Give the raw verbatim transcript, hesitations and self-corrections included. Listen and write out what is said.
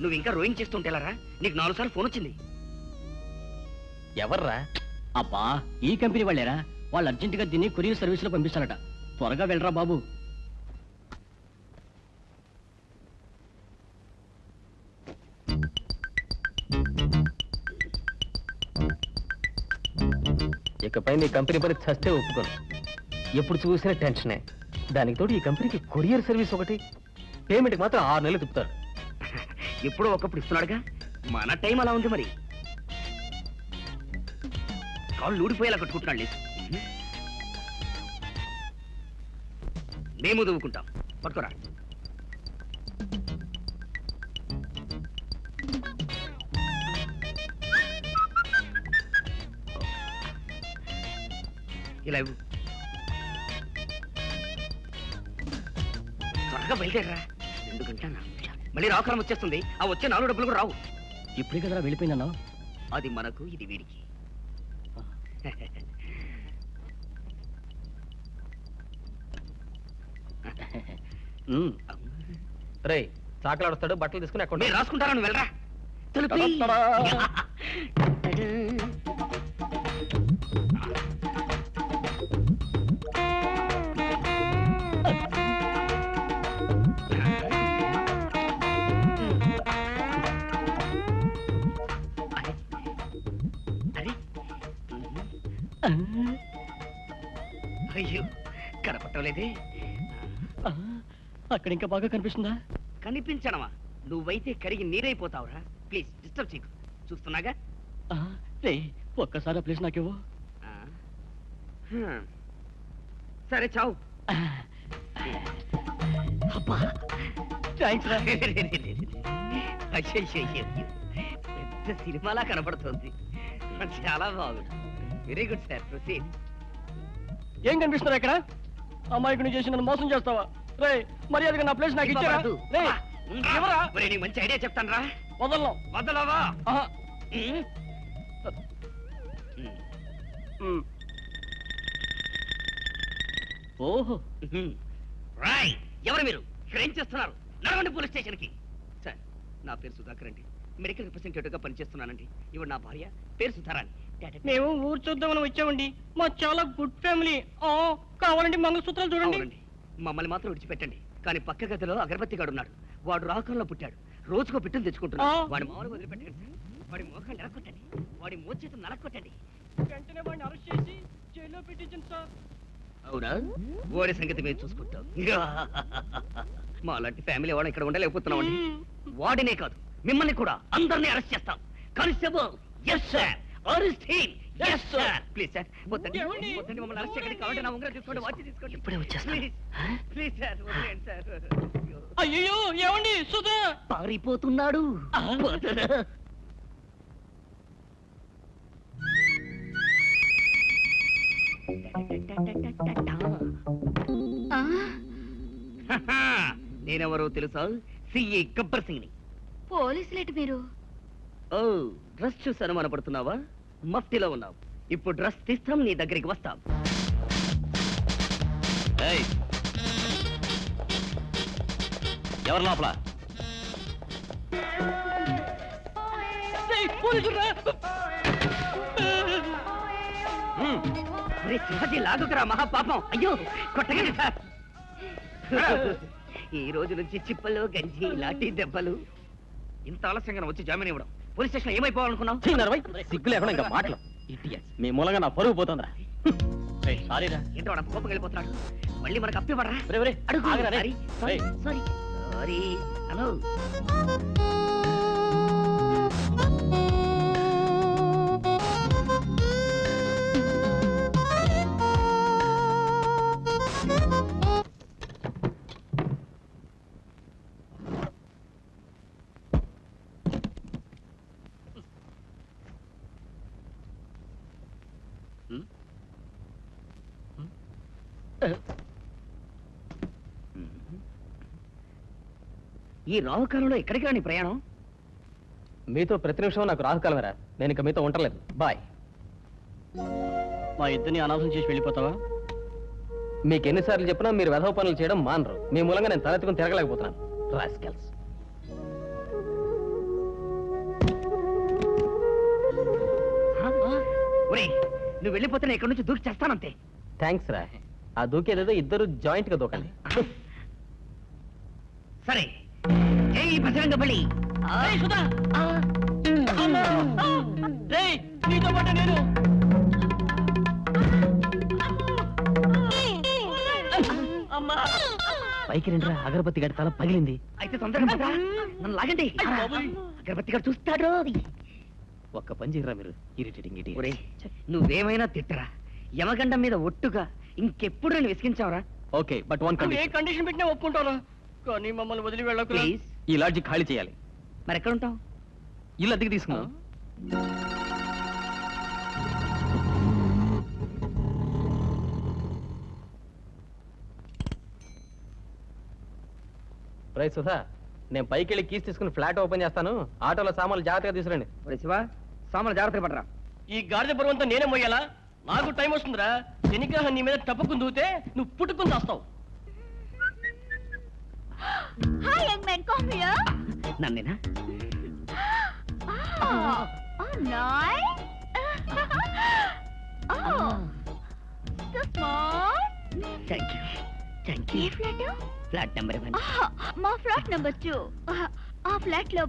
నువ్వు ఇంకా రోయింగ్ చేస్తుంటేలారా నీకు నాలుగు సార్లు ఫోన్ వచ్చింది. ఎవర్రా? అబ్బా ఈ కంపెనీ వాళ్ళేరా. వాళ్ళు అర్జెంటుగా దీన్ని కొరియర్ సర్వీస్ లో పంపిస్తారట. త్వరగా వెళ్ళరా బాబు. ఇకపై నీ కంపెనీ పని చస్తే ఒప్పుకోను. ఎప్పుడు చూసినా టెన్షనే. దానికి తోడు ఈ కంపెనీకి కొరియర్ సర్వీస్ ఒకటి. పేమెంట్ మాత్రం ఆరు నెలలు తిప్పుతారు. ఎప్పుడో ఒకప్పుడు ఇస్తున్నాడుగా. మన టైం అలా ఉంది మరి. కాళ్ళు ఊడిపోయేలా కట్టుకుంటున్నాడు లేదు. మేము దువ్వుకుంటాం. పట్టుకోరా. ఇలా ఇవ్వు. త్వరగా బయలుదేరరా. రెండు గంటల మళ్ళీ రాకాలం వచ్చేస్తుంది. ఆ వచ్చే నాలుగు డబ్బులు కూడా రావు. ఇప్పుడే కదరా వెళ్ళిపోయిందన్నా. అది మనకు, ఇది వీడికి. రే చాకలాడుస్తాడు. బట్టలు తీసుకుని అక్కడ నేను రాసుకుంటారా. నువ్వు వెళ్ళరా. అయ్యో కనపట్టలేదే. అక్కడ ఇంకా బాగా కనిపిస్తుందా? కనిపించడమా? నువ్వైతే కరిగి నీరైపోతావురా. ప్లీజ్ డిస్టర్బ్ చేయకు. చూస్తున్నాగా. రే ఒక్కసారి ఆ ప్లేస్ నాకివ్వు. సరే చావు. అబ్బా థ్యాంక్స్ రా. పెద్ద సినిమాలా కనపడుతుంది. చాలా బాగుంది. Very good sir. ప్రొసీడ్. ఏం కనిపిస్తున్నా ఇక్కడ? అమ్మాయికుని చేసి నన్ను మోసం చేస్తావా? రే మర్యాదగా నా ప్లేస్ నాకు ఇచ్చారా? మంచి ఐడియా చెప్తాను రా. వదలను. వదలవా? ఓహో రాయ్. ఎవరు మీరు? ఇక్కడ ఏం చేస్తున్నారు? నడవండి పోలీస్ స్టేషన్ కి. సార్ నా పేరు సుధాకర్ అండి. మెడికల్ రిప్రజెంటేటివ్ గా పనిచేస్తున్నానండి. ఇవి నా భార్య పేరు సుధారాణి. మేము ఊరు చూద్దామని వచ్చామండి. మా చాలా గుడ్ ఫ్యామిలీ. కావాలండి మంగళసూత్రాలు చూడండి. మమ్మల్ని మాత్రం విడిచిపెట్టండి. కానీ పక్క గదిలో అగరబత్తి గాడు ఉన్నాడు. వాడు రాకంలో పుట్టాడు. రోజుకో పిట్టలు తెచ్చుకుంటున్నాడు. వాడి మామూలు వదిలిపెట్టండి సార్. వాడి మోకాలు నరకొట్టండి. వాడి మోచేతులు నరకొట్టండి. వెంటనే వాడిని అరెస్ట్ చేసి జైల్లో పెట్టించండి సార్. అవునా? వాడి సంగతి మేము చూసుకుంటాం. మా లాంటి ఫ్యామిలీ వాడు ఇక్కడ ఉండలేకపోతున్నాం అండి. వాడినే కాదు మిమ్మల్ని కూడా అందరినీ అరెస్ట్ చేస్తాం. Constable. Yes sir. Arrest him. Yes sir. Please sir వద్దండి. వద్దండి మమ్మల్ని అరెస్ట్ చేయకండి. కావాలంటే నా ఉంగరం తీసుకోండి. వాచి తీసుకోండి. ఇప్పుడే వచ్చేస్తాను. ప్లీజ్ సార్ వదిలేండి సార్. అయ్యో ఏమండి? సుధా పారిపోతున్నాడు. నేనెవరో తెలుసా? సిఈ గబ్బర్ సింగ్ ని. పోలీసులేటి మీరు? ఓ డ్రెస్ చూసి అనుమానపడుతున్నావా? మఫ్టీలో ఉన్నావు. ఇప్పుడు డ్రెస్ తీస్తాం, నీ దగ్గరికి వస్తాం. ఎవరు లోపల? శివాజీ లాగుకురా మహాపాపం. అయ్యో కొట్టగండి సార్. ఈ రోజు నుంచి చిప్పలు గంజి లాఠీ దెబ్బలు. ఇంత ఆలస్యంగా వచ్చి జామీన్ ఇవ్వడం. పోలీస్ స్టేషన్ ఏమైపోవాలనుకున్నావు? సిగ్గు లేకుండా ఇంకా మాటలు. మీ మూలంగా నా పరుగు పోతుందా? సారీరా. ఏంటో వాడు కోపం వెళ్ళిపోతున్నాడు. మళ్ళీ మనకు అప్పివ్వడరా? అడుగు. Sorry sorry hello. ఈ రాహుకాలంలో ఎక్కడికి రాని ప్రయాణం? మీతో ప్రతి నిమిషం నాకు రాహుకాలమేరా. నేను ఇక మీతో ఉండలేదు. బాయ్. మా ఇద్దరిని అనాథం చేసి వెళ్ళిపోతావా? మీకు ఎన్నిసార్లు చెప్పినా మీరు వెధవ పనులు చేయడం మానరు. మీ మూలంగా నేను తలెత్తుకుని తిరగలేకపోతున్నాను. రాస్కెల్స్. నువ్వు వెళ్ళిపోతే నేను ఇక్కడ నుంచి దూకి చేస్తానంతే. థ్యాంక్స్ రా. ఆ దూకేదేదో ఇద్దరు జాయింట్ గా దూకండి. సరే జై బజరంగ బలి. రేయ్, సుధా! అమ్మా! రేయ్, నీతో పాటు నేను అమ్మా! పైకి రండిరా, అగరబత్తి గడి తల పగిలింది. అయితే తొందరగా పదరా. నన్ను లాగండి. అగరబత్తి గారు చూస్తాడు. ఒక్క పని చేయరా మీరు, ఇరిటేటింగ్ ఇటీ. ఒరే నువ్వేమైనా తిట్టరా, యమగండం మీద ఒట్టుగా ఇంకెప్పుడు నేను విసిగించావరా? ఓకే, బట్ వన్ నువ్వు ఏ కండిషన్. కండిషన్ పెట్టినా ఒప్పుకుంటాను, కానీ మమ్మల్ని వదిలి వెళ్ళకురా. ప్లీజ్. ఈ లాడ్జి ఖాళీ చేయాలి. మరి ఎక్కడ ఉంటావు? ఇల్లు అద్దెకి తీసుకున్నాం. రై సుధా, నేను పైకి వెళ్ళి కీస్ తీసుకుని ఫ్లాట్ ఓపెన్ చేస్తాను. ఆటోలో సామాన్లు జాగ్రత్తగా తీసుకురండి. ఒరే శివ, సామాన్లు జాగ్రత్తగా పడరా. ఈ గాడిద పరువంతా నేనే మొయ్యాలా? నాకు టైం వస్తుందిరా. శనిగ్రహం నీ మీద టపక్కుని దూతే నువ్వు పుట్టుకుని చేస్తావు. Hi young man, come here. నన్నేనా? Oh, oh nice. Oh, so small. Thank you thank you. ఏ ఫ్లాట్? Flat number one. మా ఫ్లాట్ నెంబర్ టూ. ఆ ఫ్లాట్ లో